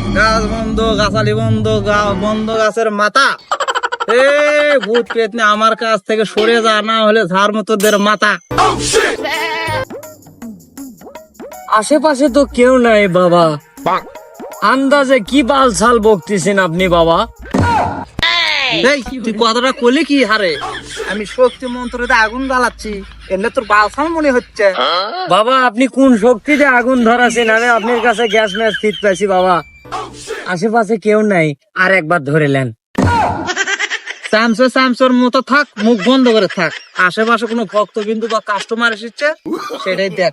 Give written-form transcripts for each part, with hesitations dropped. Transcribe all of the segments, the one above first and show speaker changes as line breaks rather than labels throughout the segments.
গাছ বন্ধ, গাছালি বন্ধ, বন্ধ গাছের মাথা। এ ভূত পেতনি আমার কাছ থেকে সরে যা, না হলে ঝাড় মতোদের মাথা।
আশেপাশে তো কেউ নাই বাবা, আন্দাজে কি বালছাল বকতেছেন আপনি বাবা?
এই তুই কথাটা কলি কি হারে? আমি শক্তি মন্ত্রতে আগুন জ্বালাচ্ছি, এমনি তোর বালসাল মনে হচ্ছে।
বাবা আপনি কোন শক্তিতে আগুন ধরাছেন? আমি আপনার কাছে গ্যাস ম্যাচ ফিট পাইছি বাবা। আশেপাশে কেউ নাই, আর একবার ধরে নেন।
স্যামসোর মতো থাক, মুখ বন্ধ করে থাক। আশেপাশে কোনো ভক্ত বিন্দু বা কাস্টমার এসেছে সেটাই দেখ।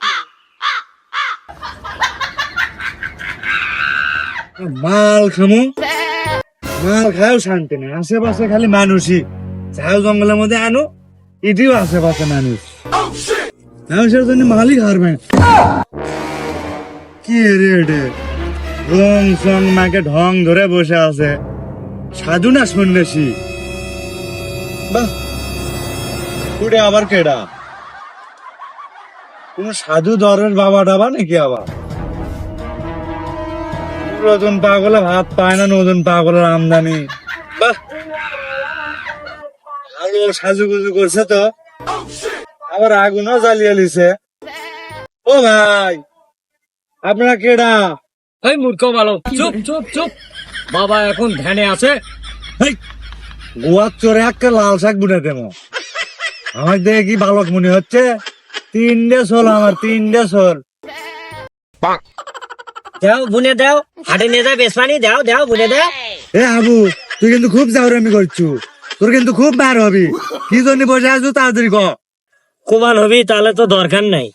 মাল খামো, মাল খাও শান্তি নেই। আশেপাশে খালি মানুষই। যাও জঙ্গলের মধ্যে আনো, এটিও আশেপাশে মানুষ। মানুষের জন্য মালই খাবে। কি রে এটে রং সং মাকে ঢং ধরে বসে আছে, সাধু না সন্ন্যাসী? বাহ, কুড়ে আবার কেডা? কোন সাধু দরের বাবা টাবা নাকি আবার? নতুন পাগলে ভাত পায় না, নতুন পাগলের আমদানি। বাহ, ভালো সাজুগুজু করছে তো, আবার আগুনও জ্বালিয়ে লিছে। ও ভাই, আপনারা কেডা?
এই মূর্খ বালক, চুপ চুপ চুপ। বাবা এখন ধ্যানে আছে।
গোয়ার চোরে একটা লাল শাক বুনে দেবো। আমার দেখে কি বালক মনে হচ্ছে? 3টে সোল আমার, 3টে সোল।
দাও বুনে দাও, হাটে নিয়ে যাও বেসমানি, দাও দাও বুনে দাও।
এ আবু, তুই কিন্তু খুব জাউরামি করছু, তোর কিন্তু খুব বার হবি। কি জন্য বসে আছো তাড়াতাড়ি ক।
কোবান হবি তাহলে তো দরকার নাই।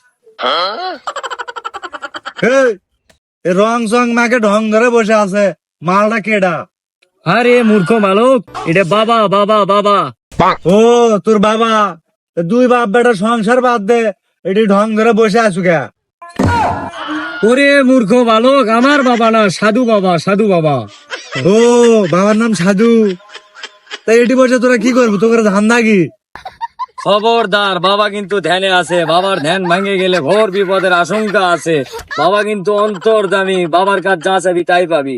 এ রং সং মাকে ঢং ধরে বসে আছে, মালটা কেডা?
আরে মূর্খ বালক, এটা বাবা বাবা বাবা।
ও তোর বাবা? দুই বাপ বেটা সংসার বাদ দে, এটি ঢং ধরে বসে আছো কে?
ওরে মূর্খ বালক, আমার বাবা না, সাধু বাবা, সাধু বাবা।
ও বাবার নাম সাধু? তাই এটি বসে তোরা কি করবো? তোর ধান্দা কি?
খবরদার, বাবা কিন্তু ধ্যানে আছে। বাবার ধ্যান ভাঙে গেলে ঘোর বিপদের আশঙ্কা আছে। বাবা কিন্তু অন্তর্যামী, বাবার কাজ যা চাবি তাই পাবি।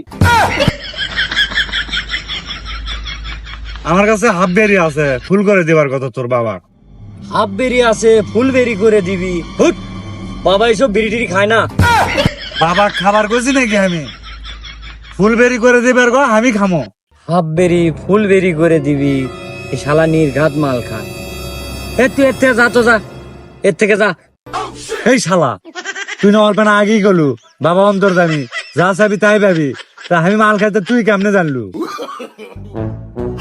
আমার কাছে হাফ বেরি আছে, ফুল করে দেবার কথা তোর বাবা।
হাফ বেরি আছে, ফুল বেরি করে দিবি? হুট, বাবা এইসব বিড়ি টিড়ি খায় না।
বাবা খাবার করছি নাকি আমি? ফুল বেরি করে দেবার গো, আমি খামো।
হাফ বেরি ফুল বেরি করে দিবি? এই শালা নির্ঘাত মাল খা। তুই এর থেকে যা তো, যা এর থেকে যা।
এই শালা, তুই না অল্প না আগেই গলু বাবা অন্তর্জামী, যা চাবি তাই পাবি। তা আমি মাল খাইতে তুই কেমনে জানলু?